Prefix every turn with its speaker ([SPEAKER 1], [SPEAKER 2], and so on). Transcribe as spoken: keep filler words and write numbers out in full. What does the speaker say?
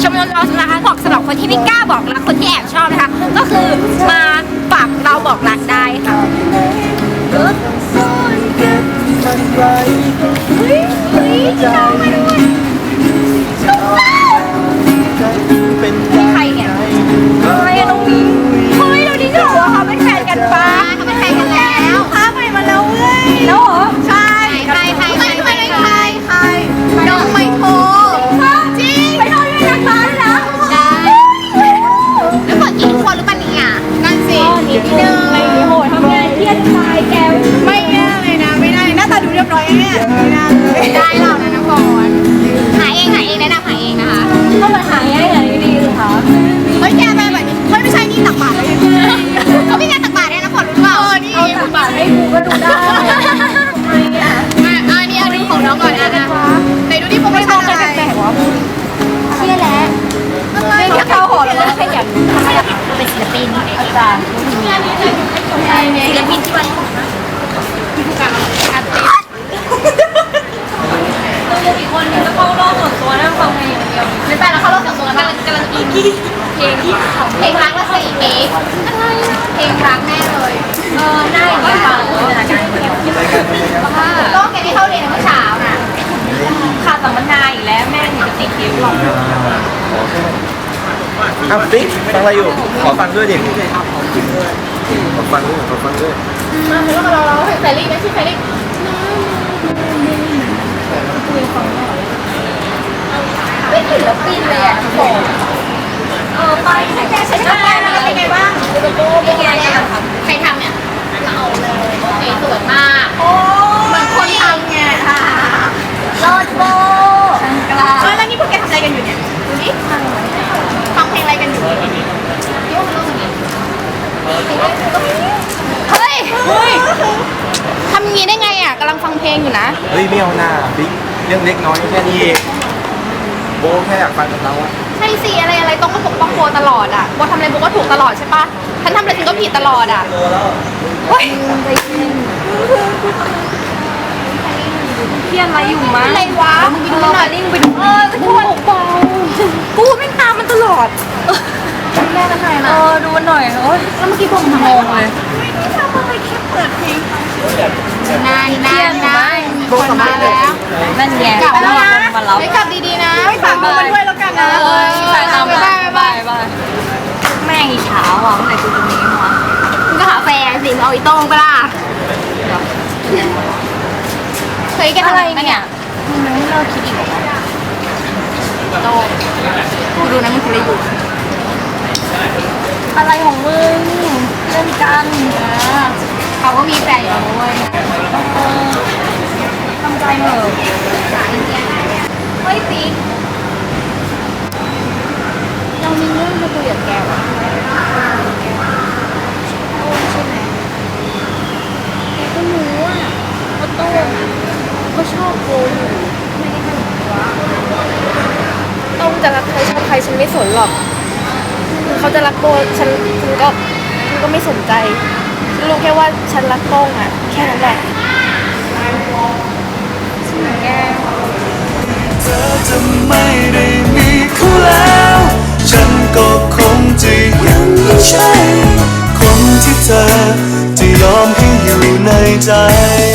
[SPEAKER 1] ชมรมเรานะคะบอกสำหรับคนที่ไม่กล้าบอกรักคนที่แอบชอบนะคะก็คือมาฝากเราบอกรักได้ค่ะเฮ้ยเฮ้ยชอบมาด้วยชอบมากใครเนี่ยใครอะน้องมิ้งเฮ้ยเราดีจังว่าเขาเป็นแฟนกันปะเขาเป็นแฟนกันแล้วพาใหม่มาแล้วเว้ยแล้วเหรอใช่ใครใครใครใครใครใครน้องไม่โทรจริงไม่โทรด้วยนะคะนะแล้วกดกี่คนหรือเปล่าเนี่ยนั่นสินิดนึงอะไรโหทำงานเครียดตายแกไม่แย่เลยนะไม่ได้หน้าตาดูเรียบร้อยเนี่ยไม่ได้เลยได้เรานะน้องก่อนหาเองหาเองแนะนำหาเองนะคะก็มาหาง่ายหาดีๆเลยค่ะเฮ้ยแกไปแบบนี้เฮ้ยไม่ใช่นี่ตักบาตรเลยเขาพี่แกตักบาตรได้นะก่อนรู้เปล่าเออนี่ตักบาตรให้กูก็ดูได้ทำไมอ่ะอ่ะนี่เอาดูของน้องก่อนอ่ะไหนดูที่โปรโมชั่นอะไรเชี่ยแล้วไม่แค่เข้าหอเลยขยันเป็นศิลปินอาจารย์ศิลปินที่วันที่ผู้การอาร์ติสตัวยังอีกคนนึงก็เข้ารอบส่วนตัวนั่งฟังเพลงอย่างเดียวไม่ไปแล้วเข้ารอบส่วนตัวกำลังกำลังอินเพลงที่เพลงรักและสี่ปีอะไรเพลงรักแน่เลยเออได้อย่างนี้ฟังจินตนาการคนเดียวก็แกที่เข้าเรียนเมื่อเช้าน่ะขาดสัมมนาอีกแล้วแม่หนูจะติดเกมหรอก
[SPEAKER 2] อ้าวปิ๊กฟังอะไรอยู่ขอฟังด้วยดิขอฟังด้วยขอฟังด้วย
[SPEAKER 1] มาเพลงเราเราแฟรี่นะชื่อแฟรี่ไม่ถึงแล้วปีนเลยอ่ะผมเออไปใช้แกใช้แกเป็นไงบ้างเป็นไงเนี่ยใครทำเนี่ยเราเอาเลยโอเคสวยมากโอ้เหมือนคนทำไงค่ะโลดโบกลาเออแล้วนี่พวกแกทำอะไรกันอยู่เนี่ยดูดิฟังเพลงอะไรกันอยู่ยุ่งเรื่องนี้เฮ้ยเฮ้ยทำอย่างนี้ได้ไงอ่ะกำลังฟังเพลงอยู่นะ
[SPEAKER 2] เฮ้ยไม่เอาหน้าบิ๊กเรื่องเล็กน้อยแค่นี้เองโบแค่อยากฟังกับเราอะ
[SPEAKER 1] ใช่สิอะไรอะไรต้องมาปกป้องโบตลอดอ่ะโบทำอะไรโบก็ถูกตลอดใช่ปะฉันทำอะไรฉันก็ผิดตลอดอ่ะเฮ้ยเพี้ยนอะไรอยู่มั้งอะไรวะมึงดูหน่อยลิงไปดูเออไปดูเบากูไม่ตามมันตลอดแม่กันไหนนะเออดูมันหน่อยโอ้ยแล้วเมื่อกี้ผมงงเลยไม่ได้ทำอะไรแค่เปิดเพลงนานนานนานคนมาแล้วนั่นแย่กลับแล้วนะไม่กลับดีๆนะไม่ฝากดูมันด้วยแล้วกันนะเออไปตามไปไปไปไปแม่งอีเช้าอ่ะเมื่อไหร่กูจะมีวะมึงก็หาแฟนสิเอาอีโต้งไปล่ะเฮ้ยแกทำอะไรเนี่ยมึงไม่เลิกคิดอีกหรอโต้งกูดูนะมึงคิดอะไรอยู่อะไรของมึงเล่นกันเขาก็มีแฟนอยู่ด้วยทำใจเหอะเฮ้ยปิ๊กเรามีเรื่องจะคุยกับแกว่ะโต้ใช่ไหมแกก็รู้อ่ะว่าโต้ก็ชอบโกอยู่ไม่ได้ทำวะโต้จะรักใครชอบใครฉันไม่สนหรอกเขาจะรักโบฉันฉันก็ฉันก็ไม่สนใจฉันรู้แค่ว่าฉันรักโต้งอ่ะแค่นั้นแหละใช่ไหมแก
[SPEAKER 3] เธอจะไม่ได้มีคู่แล้วฉันก็คงจะยังไม่ใช่คนที่เธอจะยอมให้อยู่ในใจ